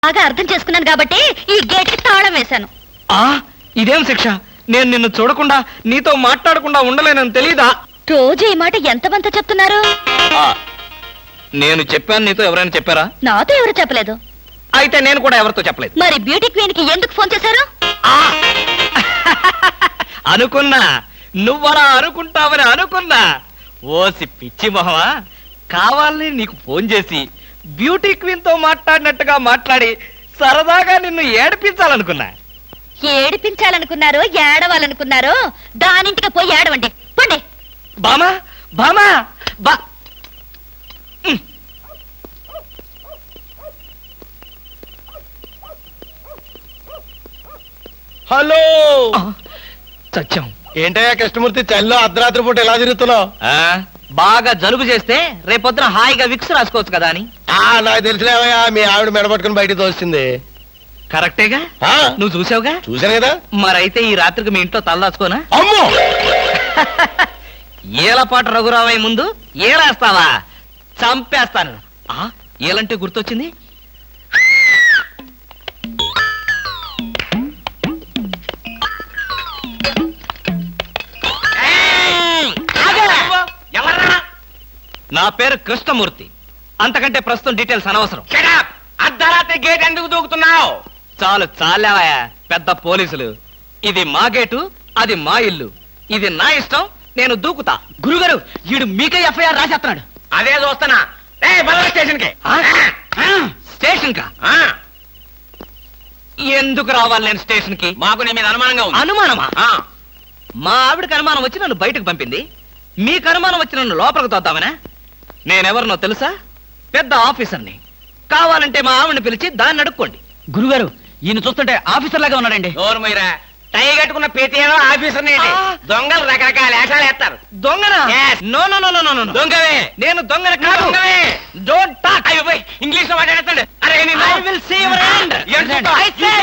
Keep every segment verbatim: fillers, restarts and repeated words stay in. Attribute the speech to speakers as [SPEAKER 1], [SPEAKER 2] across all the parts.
[SPEAKER 1] బాగా అర్థం చేసుకున్నాను కాబట్టి ఈ గేట్ కి తాళం వేశాను.
[SPEAKER 2] ఆ ఇదేం శిక్ష? నేను నిన్ను చూడకుండా నీతో మాట్లాడకుండా ఉండలేనని తెలీదా?
[SPEAKER 1] రోజు ఈ మాట ఎంతమంత చెప్తున్నారు?
[SPEAKER 2] నేను చెప్పాను, నీతో ఎవరైనా చెప్పారా?
[SPEAKER 1] నాతో ఎవరు చెప్పలేదు.
[SPEAKER 2] అయితే నేను కూడా ఎవరితో చెప్పలేదు.
[SPEAKER 1] మరి బ్యూటీ క్వీన్ కి ఎందుకు ఫోన్ చేశారు?
[SPEAKER 2] అనుకున్నా నువ్వలా అనుకుంటావని అనుకున్నా. ఓసి పిచ్చి మొహమా, కావాలని నీకు ఫోన్ చేసి బ్యూటీ క్వీన్ తో మాట్లాడినట్టుగా మాట్లాడి సరదాగా నిన్ను ఏడిపించాలనుకున్నా.
[SPEAKER 1] ఏడిపించాలనుకున్నారో ఏడవాలనుకున్నారో దానింటికి పోయి ఏడవండి పండి.
[SPEAKER 2] బామా బామా బా
[SPEAKER 3] హలో
[SPEAKER 2] సత్యం.
[SPEAKER 3] ఏంటయ్యా కృష్ణమూర్తి, చల్లో అర్ధరాత్రి పూట ఎలా తిరుగుతున్నావు?
[SPEAKER 2] బాగా జలుబు చేస్తే రేపొద్దున హాయిగా విక్స్ రాసుకోవచ్చు కదా అని.
[SPEAKER 3] నాకు తెలిసినవయ్యా, మీ ఆవిడ మెడపట్టుకుని బయటికి తోస్తుంది.
[SPEAKER 2] కరెక్టేగా, నువ్వు చూసావుగా.
[SPEAKER 3] చూశాను కదా.
[SPEAKER 2] మరైతే ఈ రాత్రికి మీ ఇంట్లో తలదాచుకోనా?
[SPEAKER 3] అమ్మో,
[SPEAKER 2] ఏలపాటు రఘురావయ్య ముందు ఏలేస్తావా? చంపేస్తాను. ఏలంటే గుర్తొచ్చింది. నా పేరు కృష్ణమూర్తి. అంతకంటే ప్రస్తుతం డీటెయిల్స్ అనవసరం.
[SPEAKER 3] అర్ధరాత్రి గేట్ ఎందుకు దూకుతున్నావు?
[SPEAKER 2] చాలు చాలేవయ్యా, పెద్ద పోలీసులు. ఇది మా గేటు, అది మా ఇల్లు. ఇది నా ఇష్టం, నేను దూకుతా. గురుగారు, వీడు మీకే ఎఫ్ఐఆర్ రాసేస్తున్నాడు.
[SPEAKER 3] అదే చూస్తున్నా. స్టేషన్ కి
[SPEAKER 2] స్టేషన్ కా? ఎందుకు రావాలి నేను స్టేషన్ కి?
[SPEAKER 3] మాకు నీ మీద అనుమానంగా ఉంది.
[SPEAKER 2] అనుమానమా? మా ఆవిడకి అనుమానం వచ్చి నన్ను బయటకు పంపింది. మీకు అనుమానం వచ్చి నన్ను లోపలికి తోద్దామనా? నేనెవరినో తెలుసా? పెద్ద ఆఫీసర్ని. కావాలంటే మా ఆవిడని పిలిచి దాన్ని అడుక్కోండి.
[SPEAKER 4] గురుగారు, ఈయన చూస్తుంటే ఆఫీసర్ లాగా ఉన్నాడండి.
[SPEAKER 3] నోరుమీరా, టై కట్టుకున్న ప్రతిలో ఆఫీసర్ దొంగలు రకరకాల వేషాలు వేస్తారు.
[SPEAKER 2] దొంగనా? No no no no no no.
[SPEAKER 3] దొంగవే.
[SPEAKER 2] నేను దొంగన కాదు. Don't talk.
[SPEAKER 3] అయ్యో పోయి ఇంగ్లీష్ లో మాట్లాడతాడు. అరే
[SPEAKER 2] I will see your hand. I say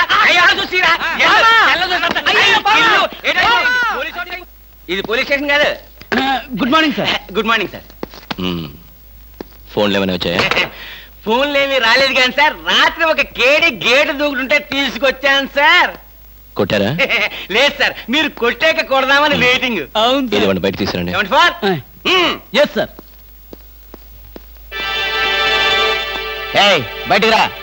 [SPEAKER 3] ఇది పోలీస్ స్టేషన్ కాదు.
[SPEAKER 4] Good morning sir.
[SPEAKER 3] Good morning sir.
[SPEAKER 5] ఫోన్లు ఏమైనా వచ్చాయా?
[SPEAKER 3] ఫోన్లు ఏమి రాలేదు కానీ సార్, రాత్రి ఒక కేడి గేటు దూకుంటుంటే తీసుకొచ్చాను సార్.
[SPEAKER 5] కొట్టారా?
[SPEAKER 3] లేదు సార్, మీరు కొట్టాక కొడదామని వెయిటింగ్.
[SPEAKER 5] ఏదేమన్నా బయట తీసుకురండి.
[SPEAKER 3] ఏమండి ఫోర్?
[SPEAKER 4] Yes sir. ఏయ్, బయటికి రా.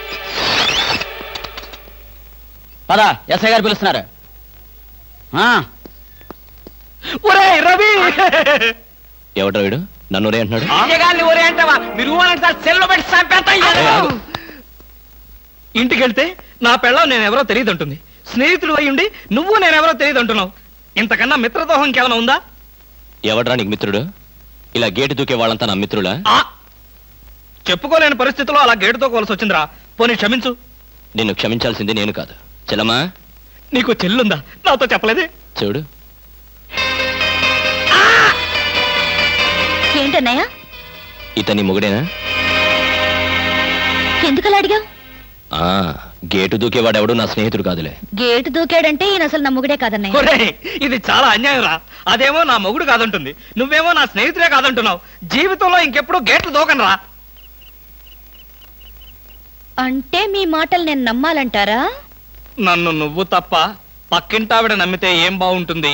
[SPEAKER 4] పద, ఎస్ఐ గారు పిలుస్తున్నారు.
[SPEAKER 2] రవి,
[SPEAKER 5] ఎవడ్రా వీడు? నన్ను ఒరే అంటున్నాడు.
[SPEAKER 3] ఒరే అంటావా? మీరు సార్ సెల్లో పెట్టి చంపేస్తాం.
[SPEAKER 2] ఇంటికి వెళ్తే నా పెళ్ళం నేనెవరో తెలియదు అంటుంది. స్నేహితుడు అయ్యుండి నువ్వు నేనెవరో తెలియదు అంటున్నావు. ఇంతకన్నా మిత్రదోహం ఇంకేమైనా ఉందా?
[SPEAKER 5] ఎవడ్రా నీకు మిత్రుడు? ఇలా గేటు దూకే వాళ్ళంతా నా మిత్రులా?
[SPEAKER 2] చెప్పుకోలేని పరిస్థితిలో అలా గేటుతో కోల్సి వచ్చిందిరా. పోనీ క్షమించు.
[SPEAKER 5] నిన్ను క్షమించాల్సింది నేను కాదు. చెల్లమ్మా,
[SPEAKER 2] నీకు చెల్లుందా? నాతో చెప్పలేదే.
[SPEAKER 5] చూడు,
[SPEAKER 1] ఏంటన్నయ్య?
[SPEAKER 5] ఇతని మొగుడేనా?
[SPEAKER 1] ఎందుకలా అడిగావు?
[SPEAKER 5] ఆ గేటు దూకేవాడెవడు నా స్నేహితుడు కాదులే.
[SPEAKER 1] గేటు దూకాడంటే ఈయన అసలు నా మొగుడే కాదన్నయ్య.
[SPEAKER 2] ఒరేయ్, ఇది చాలా అన్యాయం రా. అదేమో నా మొగుడు కాదంటుంది, నువ్వేమో నా స్నేహితుడే కాదంటున్నావు. జీవితంలో ఇంకెప్పుడు గేట్లు దూకను రా.
[SPEAKER 1] అంటే మీ మాటలు నేను నమ్మాలంటారా?
[SPEAKER 2] నన్ను నువ్వు తప్ప పక్కింటావిడ నమ్మితే ఏం బాగుంటుంది?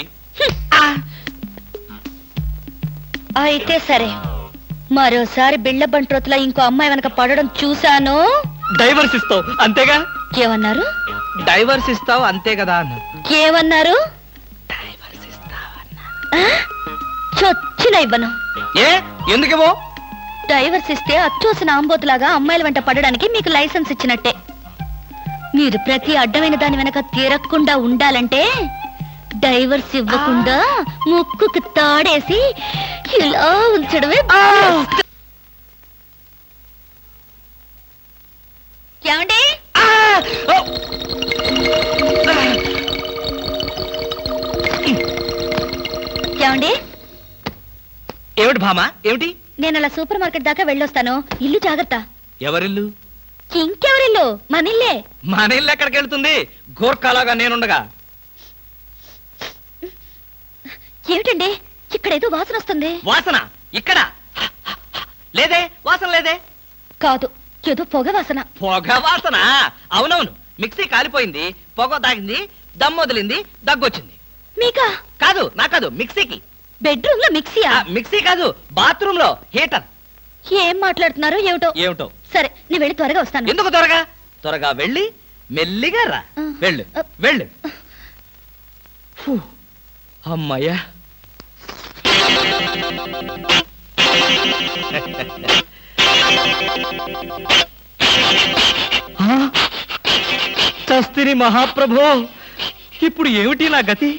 [SPEAKER 1] అయితే సరే, మరోసారి బిళ్ళ బంట్రోతులా ఇంకో అమ్మాయి వెనక పడడం చూశాను.
[SPEAKER 2] డైవర్స్ ఇస్తావు అంతేగా?
[SPEAKER 1] ఏమన్నారు?
[SPEAKER 2] డైవర్స్ ఇస్తావు అంతే కదా అన్నా.
[SPEAKER 1] ఏమన్నారు?
[SPEAKER 2] డైవర్స్ ఇస్తావన్నా.
[SPEAKER 1] చొచ్చిన ఇవ్వను.
[SPEAKER 2] ఏ ఎందుకేమో?
[SPEAKER 1] డైవర్స్ ఇస్తే అచ్చోసిన ఆంబోతులాగా అమ్మాయిల వెంట పడడానికి మీకు లైసెన్స్ ఇచ్చినట్టే. మీరు ప్రతి అడ్డమైన దాని వెనక తీరకుండా ఉండాలంటే డైవర్స్ ఇవ్వకుండా ముక్కుకు తాడేసి ఇలా ఉంచడమే. ఏమండి? ఏమండి?
[SPEAKER 2] ఏమిటి భామా, ఏమిటి?
[SPEAKER 1] నేను అలా సూపర్ మార్కెట్ దాకా వెళ్ళొస్తాను. ఇల్లు జాగ్రత్త.
[SPEAKER 2] ఎవరిల్లు?
[SPEAKER 1] ఇంకెవరిల్లు? మనిల్లే.
[SPEAKER 2] మన ఇల్లు ఎక్కడికి వెళ్తుంది? గోర్ఖాలాగా నేనుండగా.
[SPEAKER 1] ఏమిటండి, ఇక్కడేదో వాసన వస్తుంది.
[SPEAKER 2] వాసన? ఇక్కడ లేదే, వాసన లేదే.
[SPEAKER 1] కాదు, ఏదో పొగ వాసన.
[SPEAKER 2] పొగ వాసన? అవునవును, మిక్సీ కాలిపోయింది, పొగ తాగింది, దమ్ వదిలింది, దగ్గొచ్చింది.
[SPEAKER 1] మీకా?
[SPEAKER 2] కాదు, నా కాదు, మిక్సీకి.
[SPEAKER 1] బెడ్రూమ్ లో మిక్సీయా?
[SPEAKER 2] ఆ, మిక్సీ కాదు, బాత్రూమ్ లో హీటర్.
[SPEAKER 1] ఏం మాట్లాడుతున్నారో ఏమిటో.
[SPEAKER 2] ఏమిటో.
[SPEAKER 1] సరే నేను వెళ్ళి త్వరగా వస్తాను.
[SPEAKER 2] ఎందుకు త్వరగా? త్వరగా వెళ్ళి మెల్లిగా రా.
[SPEAKER 1] ఆ.
[SPEAKER 2] వెళ్ళు
[SPEAKER 1] ఆ.
[SPEAKER 2] వెళ్ళు. ఫు, అమ్మయ్యా. ఆ, చస్తిని మహాప్రభో, ఇప్పుడు ఏమిటి నా గతి?